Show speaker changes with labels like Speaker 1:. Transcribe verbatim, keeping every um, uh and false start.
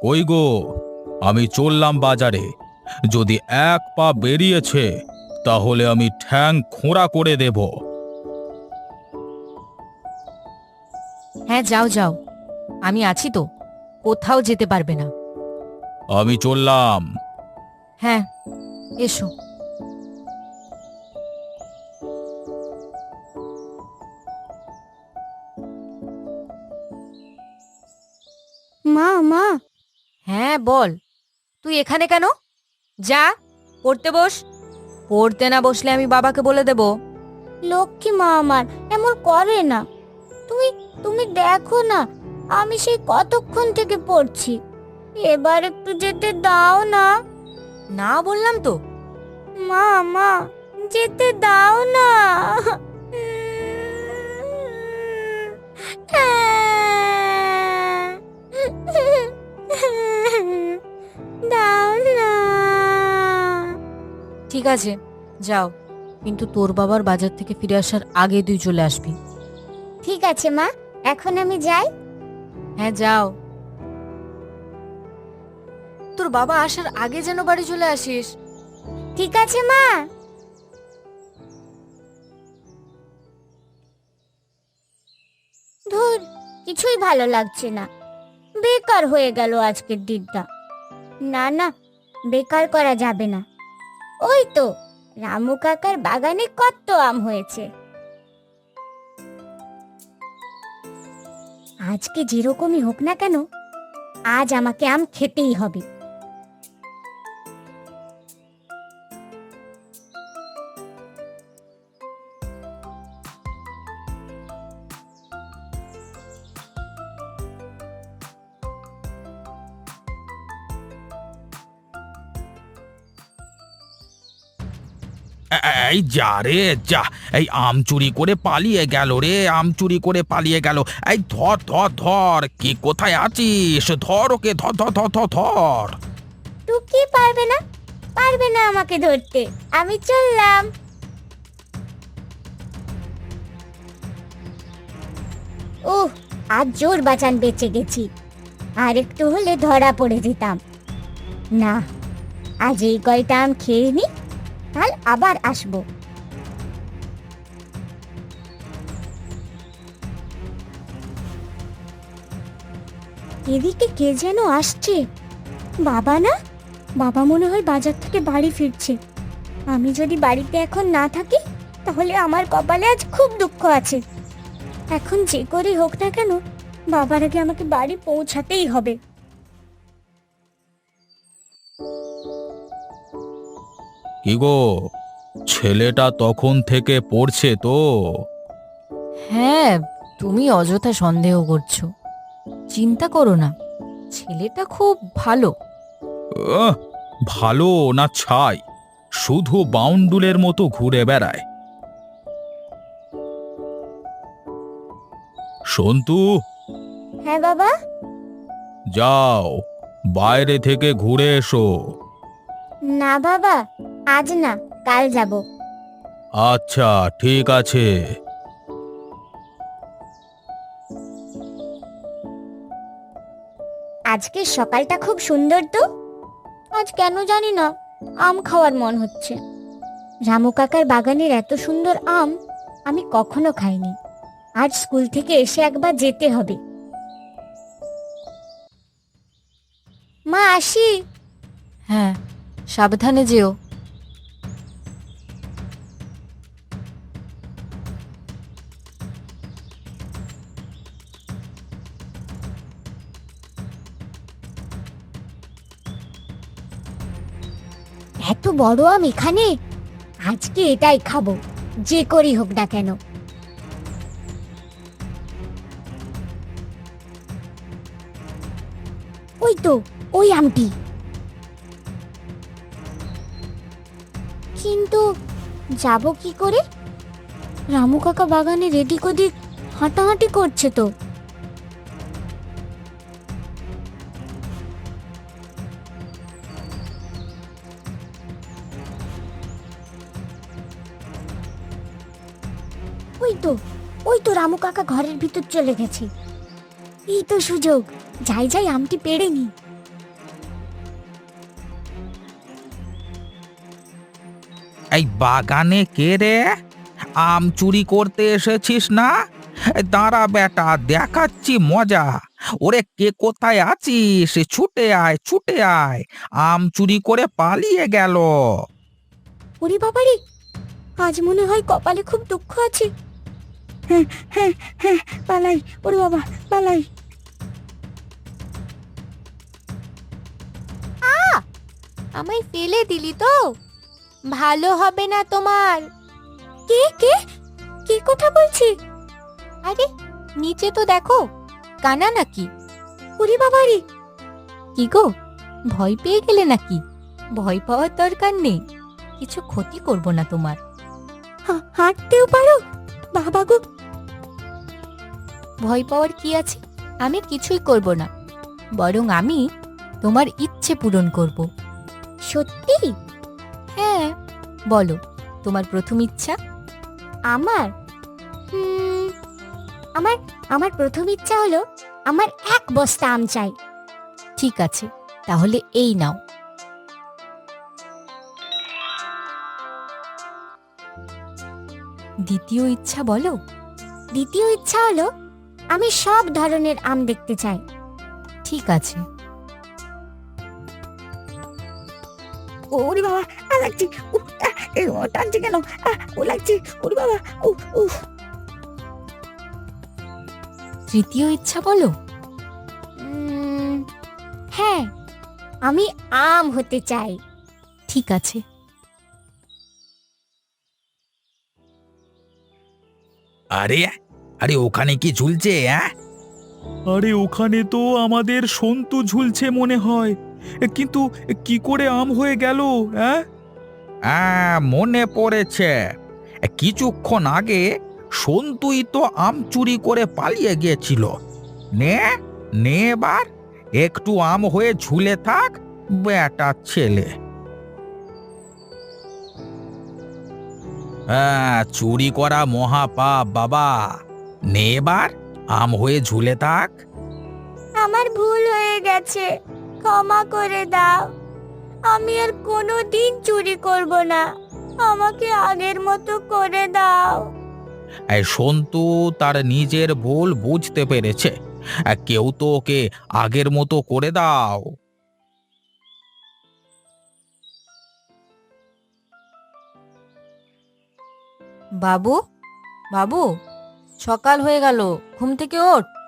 Speaker 1: কই গো, আমি চললাম বাজারে। যদি এক পা বেরিয়েছে তাহলে আমি ঠ্যাং খোঁড়া করে দেব।
Speaker 2: হ্যাঁ, যাও যাও, আমি আছি তো, কোথাও যেতে পারবে না।
Speaker 1: আমি চললাম।
Speaker 2: হ্যাঁ, এসো।
Speaker 3: মা মা
Speaker 2: হ্যাঁ বল, তুই এখানে কেন? যা, পড়তে বস। পড়তে না বসলে আমি বাবাকে বলে দেব।
Speaker 3: লক্ষ্মী মা আমার এমন করে না। তুমি তুমি দেখো না, আমি সেই কতক্ষণ থেকে পড়ছি। এবার একটু যেতে দাও না।
Speaker 2: না বললাম তো।
Speaker 3: মা মা যেতে দাও না। দাও না।
Speaker 2: ঠিক আছে, যাও, কিন্তু তোর বাবার বাজার থেকে ফিরে আসার আগে তুই চলে আসবি।
Speaker 3: ঠিক আছে মা, এখন আমি যাই।
Speaker 2: হ্যাঁ যাও, তোর বাবা আসার আগে যেন বাড়ি চলে আসিস।
Speaker 3: ঠিক আছে মা। ধুর, কিছুই ভালো লাগছে না। বেকার হয়ে গেল আজকের দিনটা। না না, বেকার করা যাবে না। ওই তো রামু কাকার বাগানে কত আম হয়েছে। আজকে যেরকমই হোক না কেন, আজ আমাকে আম খেতেই হবে।
Speaker 1: এ- এই যা রে যা, এই আম চুরি করে পালিয়ে গেল রে, আম চুরি করে পালিয়ে গেল। এই ধর ধর ধর, কি কোথায় আছিস? ধর ওকে, ধর ধর ধর ধর ধর।
Speaker 3: টুকি পারবে না, পারবে না আমাকে ধরতে। আমি চললাম। ওহ, আজ জোর বাঁচান বেঁচে গেছি। আর একটু হলে ধরা পড়ে যেতাম। না, আজ এই কয়টা আম খেয়ে নি, কাল আবার আসবো। এদিকে কে যেন আসছে। বাবা না? বাবা মনে হয় বাজার থেকে বাড়ি ফিরছে। আমি যদি বাড়িতে এখন না থাকি তাহলে আমার কপালে আজ খুব দুঃখ আছে। এখন যে করেই হোক না কেন, বাবার আগে আমাকে বাড়ি পৌঁছাতেই হবে।
Speaker 1: কি গো, ছেলেটা তখন থেকে পড়ছে তো?
Speaker 2: হ্যাঁ, তুমি অযথা সন্দেহ করছো। চিন্তা করো না, ছেলেটা খুব ভালো।
Speaker 1: আহ, ভালো না ছাই, শুধু বাউন্ডুলের মতো ঘুরে বেড়ায়। সন্তু,
Speaker 3: হ্যাঁ বাবা।
Speaker 1: যাও, বাইরে থেকে ঘুরে এসো।
Speaker 3: না বাবা, আজ না, কাল যাব।
Speaker 1: আচ্ছা, ঠিক আছে।
Speaker 3: আজকের সকালটা খুব সুন্দর তো। আজ কেন জানি না আম খাওয়ার মন হচ্ছে। রামু কাকার বাগানের এত সুন্দর আম আমি কখনো খাইনি। আজ স্কুল থেকে এসে একবার যেতে হবে। মা, আসি।
Speaker 2: হ্যাঁ, সাবধানে যেও।
Speaker 3: এত বড় আম এখানে, আজকে এটাই খাবো, যে করি হোক না কেন। ওই তো, ওই আমটি। কিন্তু যাব কি করে? রামু কাকা বাগানে এদিক ওদিক হাঁটাহাঁটি করছে তো। ওই তো, ওই তো রামু কাকা ঘরের ভিতর চলে গেছে। এই তো সুযোগ, যাই যাই আমটি পেড়ে নি।
Speaker 1: এই বাগানে কে রে? আম চুরি করতে এসেছিস না? এই দাঁড়া বেটা, দেখাচ্ছি মজা। ওরে কে কোথায় আছিস? ছুটে আয়, ছুটে আয়। আম চুরি করে পালিয়ে গেল।
Speaker 3: ওরে বাবারে, আজ মনে হয় কপালে খুব দুঃখ আছে। হ্যাঁ হ্যাঁ হ্যাঁ, পালাই, ওরে বাবা পালাই।
Speaker 2: আমায় ফেলে দিলি তো, ভালো হবে না তোমার।
Speaker 3: কে কে কে কথা বলছে?
Speaker 2: আরে নিচে তো দেখো, কানা নাকি?
Speaker 3: ওরে বাবারে,
Speaker 2: কি গো, ভয় পেয়ে গেলে নাকি? ভয় পাওয়ার দরকার নেই, কিছু ক্ষতি করব না তোমার।
Speaker 3: হা- হাঁটতেও পারো? বাবা গো,
Speaker 2: ভয় পাওয়ার কি আছে? আমি কিছুই করব না, বরং আমি তোমার ইচ্ছে পূরণ করব।
Speaker 3: সত্যি?
Speaker 2: হ্যাঁ, বলো তোমার প্রথম ইচ্ছা।
Speaker 3: আমার হুম, আমার আমার প্রথম ইচ্ছা হলো আমার এক বস্তা আম চাই।
Speaker 2: ঠিক আছে, তাহলে এই নাও। দ্বিতীয় ইচ্ছা বলো।
Speaker 3: দ্বিতীয় ইচ্ছা হলো আমি সব ধরনের আম দেখতে চাই।
Speaker 2: ঠিক আছে।
Speaker 3: ওরে বাবা, আ লাগছে, উহ, আহ, এ, ও টানছে কেন? আহ, ও লাগছে, ওরে বাবা, উহ, উহ।
Speaker 2: তৃতীয় ইচ্ছা বলো।
Speaker 3: উম, হ্যাঁ, আমি আম হতে চাই।
Speaker 2: ঠিক আছে।
Speaker 1: আরে আরে ওখানে কি ঝুলছে? হ্যাঁ,
Speaker 4: আরে ওখানে তো আমাদের সন্তু ঝুলছে মনে হয়, এ, কিন্তু এ, কি করে আম হয়ে গেল? হ্যাঁ,
Speaker 1: হ্যাঁ, মনে পড়েছে। কিছুক্ষণ আগে সন্তুই তো আম চুরি করে পালিয়ে গিয়েছিল। নে নে এবার একটু আম হয়ে ঝুলে থাক, বেটা ছেলে। হ্যাঁ, চুরি করা মহাপাপ বাবা। নে এবার আম হয়ে ঝুলে থাক।
Speaker 3: আমার ভুল হয়ে গেছে, ক্ষমা করে দাও। আমি আর কোনো দিন চুরি করব না, আমাকে আগের মতো করে দাও।
Speaker 1: এই সন্তু তার নিজের ভুল বুঝতে পেরেছে। আর কেউ তো ওকে আগের মতো করে দাও।
Speaker 2: বাবু, বাবু, সকাল হয়ে গেল, ঘুম থেকে ওঠ।